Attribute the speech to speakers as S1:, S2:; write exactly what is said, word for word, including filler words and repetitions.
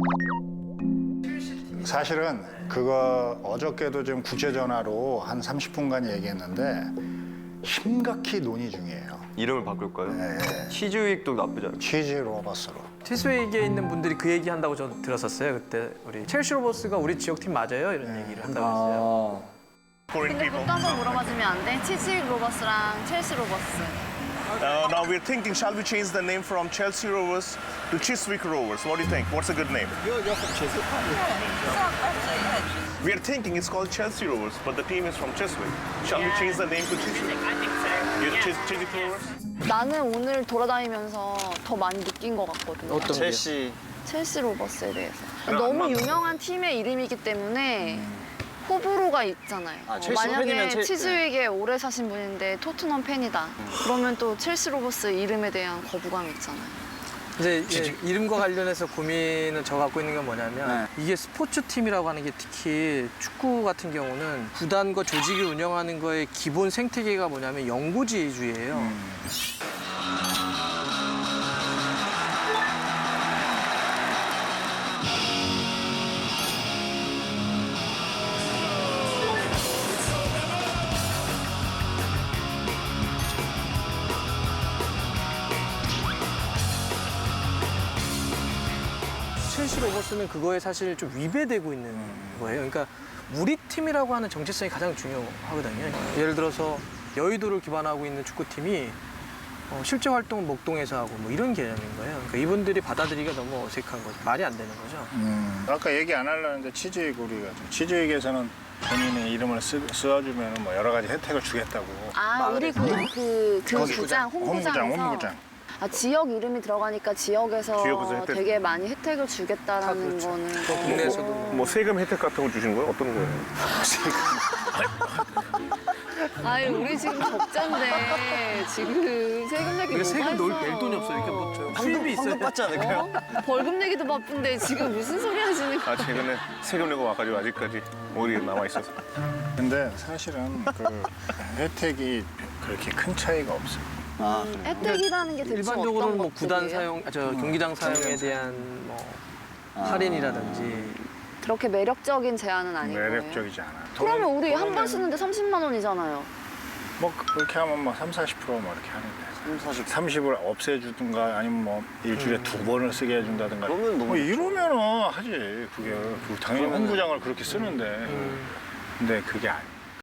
S1: 사실은 그거 어저께도 좀 국제전화로 한 삼십 분간 얘기했는데 심각히 논의 중이에요.
S2: 이름을 바꿀까요?
S1: 네.
S2: 치즈윅도 나쁘지 않아요.
S1: 치즈 로버스로.
S3: 치스웨이에 있는 분들이 그 얘기 한다고 저 들었었어요. 그때 우리 첼시 로버스가 우리 지역팀 맞아요? 이런 얘기를 한다고 했어요.
S4: 근데 그것도 한번 물어봐주면 안 돼? 치즈 로버스랑 첼시 로버스.
S5: Uh, now we're thinking, shall we change the name from Chelsea Rovers to Chiswick Rovers? What do you think? What's a good name?
S6: You're, you're from Chiswick, aren't you?
S5: We are thinking it's called Chelsea Rovers, but the team is from Chiswick. Shall we change the name to Chiswick?
S4: I think so.
S5: You're Chis- Chiswick Rovers?
S4: 나는 오늘 돌아다니면서 더 많이 느낀 것 같거든요.
S3: 어떤 게?
S6: 첼시.
S4: 첼시 로버스에 대해서. 너무 유명한 팀의 이름이기 때문에 호불호가 있잖아요.
S6: 아,
S4: 어,
S6: 첼시
S4: 만약에
S6: 팬이면 첼-
S4: 치즈윅에 오래 사신 분인데 토트넘 팬이다. 그러면 또 첼시 로버스 이름에 대한 거부감이 있잖아요.
S3: 이제 예, 이름과 관련해서 고민을 저 갖고 있는 건 뭐냐면 이게 스포츠 팀이라고 하는 게 특히 축구 같은 경우는 구단과 조직이 운영하는 거의 기본 생태계가 뭐냐면 영구지주의예요. 첼시 로버스는 그거에 사실 좀 위배되고 있는 거예요. 그러니까 우리 팀이라고 하는 정체성이 가장 중요하거든요. 예를 들어서 여의도를 기반하고 있는 축구팀이 어, 실제 활동은 목동에서 하고 뭐 이런 개념인 거예요. 그러니까 이분들이 받아들이기가 너무 어색한 거죠. 말이 안 되는 거죠.
S1: 음, 아까 얘기 안 하려는데 치즈윅 우리가 좀 치즈윅에서는 본인의 이름을 쓰, 써주면 뭐 여러 가지 혜택을 주겠다고.
S4: 아, 우리 그, 그, 그
S1: 거기
S4: 구장,
S1: 홈구장,
S4: 홈구장에서.
S1: 홈구장.
S4: 아, 지역 이름이 들어가니까 지역에서
S5: 지역에서 혜택.
S4: 되게 많이 혜택을 주겠다라는
S3: 그렇죠.
S4: 거는.
S3: 또 국내에서도
S4: 어.
S5: 뭐 세금 혜택 같은 거 주시는 거예요? 어떤 거예요?
S4: 아니, 우리 지금 적자인데 지금 세금 내기
S3: 우리가 세금
S4: 뭐가
S3: 낼
S4: 있어.
S3: 돈이 없어요. 이렇게 뭐 저, 수입이 있어야
S6: 황금 받지 않을까요?
S4: 어? 벌금 내기도 바쁜데 지금 무슨 소리 하시는 거예요?
S5: 아, 최근에 세금 내고 와가지고 아직까지 오리 남아 있어서.
S1: 근데 사실은 그 혜택이 그렇게 큰 차이가 없어요.
S6: 아,
S4: 혜택이라는 게 대충
S3: 일반적으로는
S4: 어떤
S3: 뭐 구단
S4: 것들이에요?
S3: 사용, 아, 저 경기장 사용에 대한 뭐 할인이라든지
S4: 그렇게 매력적인 제안은 아닌 거예요?
S1: 매력적이지 않아.
S4: 그러면 우리
S1: 돈은
S4: 한 번
S1: 되는-
S4: 쓰는데 삼십만 원이잖아요.
S1: 뭐 그렇게 하면 뭐 삼, 사십 퍼센트 뭐 이렇게 하는데.
S6: 사십.
S1: 삼십을 없애주든가 아니면 뭐 일주일에 두 번을 쓰게 해준다든가.
S6: 그러면 너무
S1: 뭐
S6: 좋죠.
S1: 이러면은 하지. 그게 그 당연히
S6: 그러면은-
S1: 홈구장을 그렇게 쓰는데. 근데 그게 아니야.